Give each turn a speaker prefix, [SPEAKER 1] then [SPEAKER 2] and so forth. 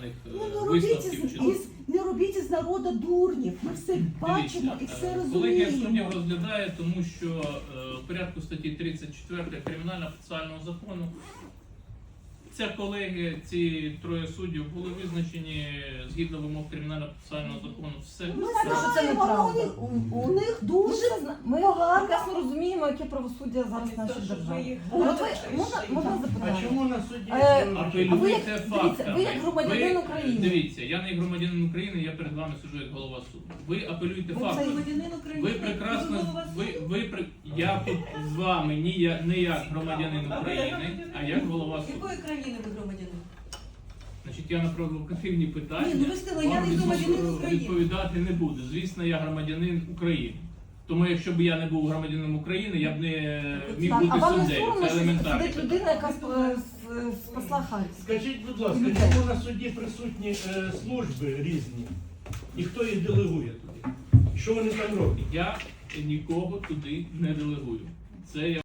[SPEAKER 1] офіційних
[SPEAKER 2] Не
[SPEAKER 1] висновків. Чи...
[SPEAKER 2] не робіть із народу дурнів. Ми все бачимо і все
[SPEAKER 1] Колегія суддів
[SPEAKER 2] розуміємо.
[SPEAKER 1] розглядає, тому що в порядку статті 34 Кримінально-процесуального закону ця колегія, ці троє суддів були визначені згідно вимог Кримінально-процесуального закону. Все.
[SPEAKER 2] Ми
[SPEAKER 3] знаємо, що це
[SPEAKER 2] знаємо,
[SPEAKER 3] неправда.
[SPEAKER 2] у них дуже
[SPEAKER 3] Ми
[SPEAKER 2] погано.
[SPEAKER 3] прекрасно розуміємо, яке правосуддя зараз в нашій державі. От ви, можна
[SPEAKER 4] А
[SPEAKER 3] запитання?
[SPEAKER 4] чому на суді?
[SPEAKER 1] Апелюйте фактами.
[SPEAKER 3] дивіться, ви як громадянин України.
[SPEAKER 1] Дивіться, я не як громадянин України, я перед вами сиджу як голова суду. Ви апелюйте
[SPEAKER 3] Ви
[SPEAKER 1] фактами.
[SPEAKER 5] Громадянин України.
[SPEAKER 1] Ви прекрасно, я тут з вами не як громадянин України, а як голова суду.
[SPEAKER 5] Якої країни ви громадянин?
[SPEAKER 1] Значить, я на провокативні питання
[SPEAKER 5] Ні, ну ви сказали, я
[SPEAKER 1] вам
[SPEAKER 5] не громадянин України.
[SPEAKER 1] відповідати не буду. Звісно, я громадянин України. Тому якщо б я не був громадянином України, я б не міг
[SPEAKER 3] Так, а
[SPEAKER 1] бути
[SPEAKER 3] вам не
[SPEAKER 1] суддею.
[SPEAKER 3] соромно,
[SPEAKER 1] Це
[SPEAKER 3] що
[SPEAKER 1] елементарно.
[SPEAKER 3] сидить людина, яка спасла Харків?
[SPEAKER 4] Скажіть, будь ласка, чому на суді присутні служби різні? І хто їх делегує туди? Що вони там роблять?
[SPEAKER 1] Я нікого туди не делегую. Це я